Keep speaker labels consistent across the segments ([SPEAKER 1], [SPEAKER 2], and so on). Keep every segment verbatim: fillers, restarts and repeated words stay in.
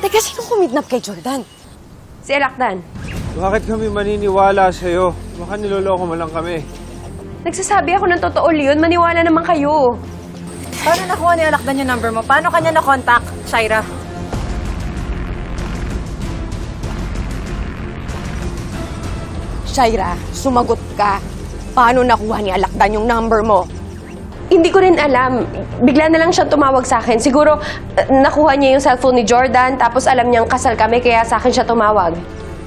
[SPEAKER 1] Teka, sino kumidnap kay Jordan?
[SPEAKER 2] Si Alakdan.
[SPEAKER 3] Bakit kami maniniwala sa'yo? Baka niloloko mo lang kami.
[SPEAKER 2] Nagsasabi ako ng totoo, Leon. Maniwala naman kayo.
[SPEAKER 1] Paano nakuha ni Alakdan yung number mo? Paano kanya na-contact, Shaira? Shaira, sumagot ka. Paano nakuha ni Alakdan yung number mo?
[SPEAKER 2] Hindi ko rin alam. Bigla na lang siya tumawag sa akin. Siguro, uh, nakuha niya yung cellphone ni Jordan, tapos alam niyang kasal kami, kaya sa akin siya tumawag.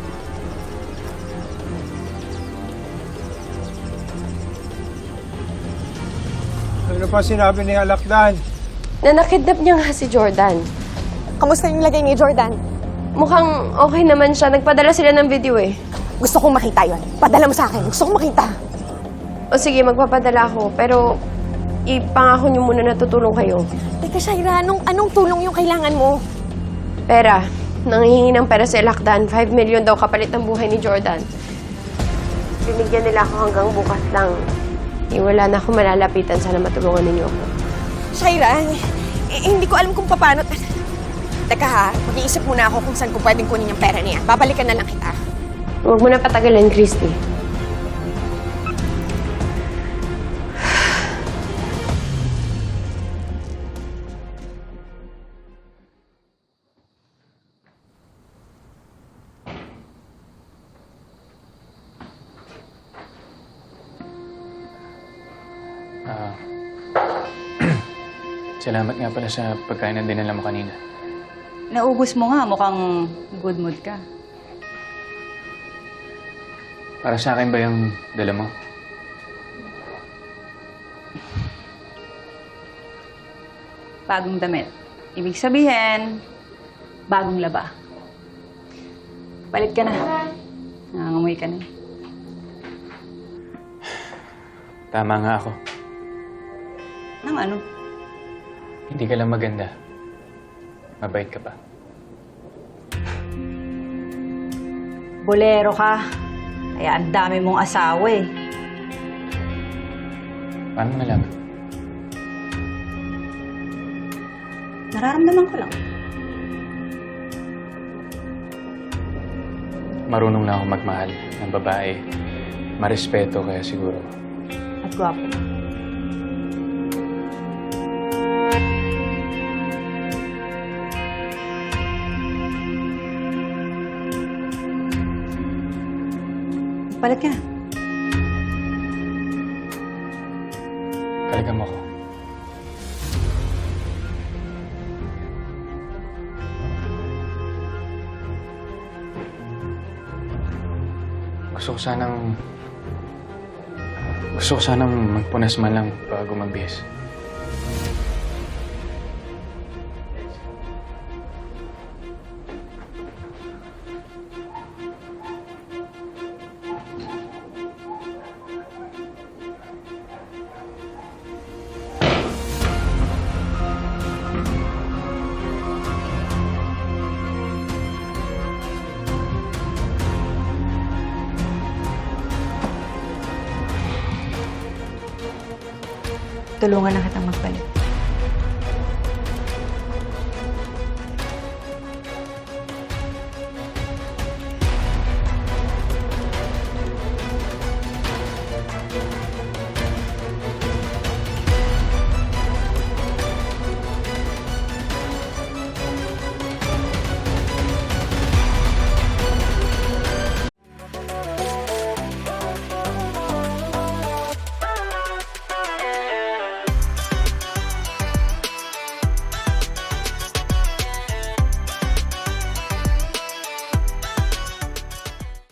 [SPEAKER 3] Ano pa sinabi ni Alakdan?
[SPEAKER 2] Na nakidnap niya nga si Jordan.
[SPEAKER 1] Kamusta yung lagay ni Jordan?
[SPEAKER 2] Mukhang okay naman siya. Nagpadala sila ng video eh.
[SPEAKER 1] Gusto kong makita yon. Padala mo sa akin. Gusto kong makita.
[SPEAKER 2] O sige, magpapadala ako. Pero ipangako niyo muna na tutulong kayo.
[SPEAKER 1] Teka, Shaira, anong, anong tulong yung kailangan mo?
[SPEAKER 2] Pera. Nanghihingi ng pera si Alakdan. five million daw kapalit ng buhay ni Jordan. Binigyan nila ako hanggang bukas lang. Eh, wala na ako malalapitan. Sana matulungan ninyo ako.
[SPEAKER 1] Shaira, eh, hindi ko alam kung paano... Teka ha, mag-iisip muna ako kung saan ko pwedeng kunin yung pera niya. Babalikan na lang kita.
[SPEAKER 2] Huwag mo na patagalin, Christy.
[SPEAKER 4] Ah, salamat nga pala sa pagkain na dinala mo kanina.
[SPEAKER 5] Naubos mo nga, mukhang good mood ka.
[SPEAKER 4] Para sa akin ba yung dala mo?
[SPEAKER 5] Bagong damit. Ibig sabihin, bagong laba. Palit ka na. Nangangamoy ka na.
[SPEAKER 4] Tama nga ako.
[SPEAKER 5] Nang ano?
[SPEAKER 4] Hindi ka lang maganda. Mabait ka pa.
[SPEAKER 5] Bolero ka. Kaya ang dami mong asawa eh.
[SPEAKER 4] Paano mo nalaman?
[SPEAKER 5] Nararamdaman ko lang.
[SPEAKER 4] Marunong na ako magmahal ng babae. Marespeto kaya siguro.
[SPEAKER 5] At gwapo. Palit ka na.
[SPEAKER 4] Kalagan mo ko. Gusto ko sanang... Gusto ko sanang magpunas man lang bago magbihis.
[SPEAKER 5] Tulungan na kitang magpalit.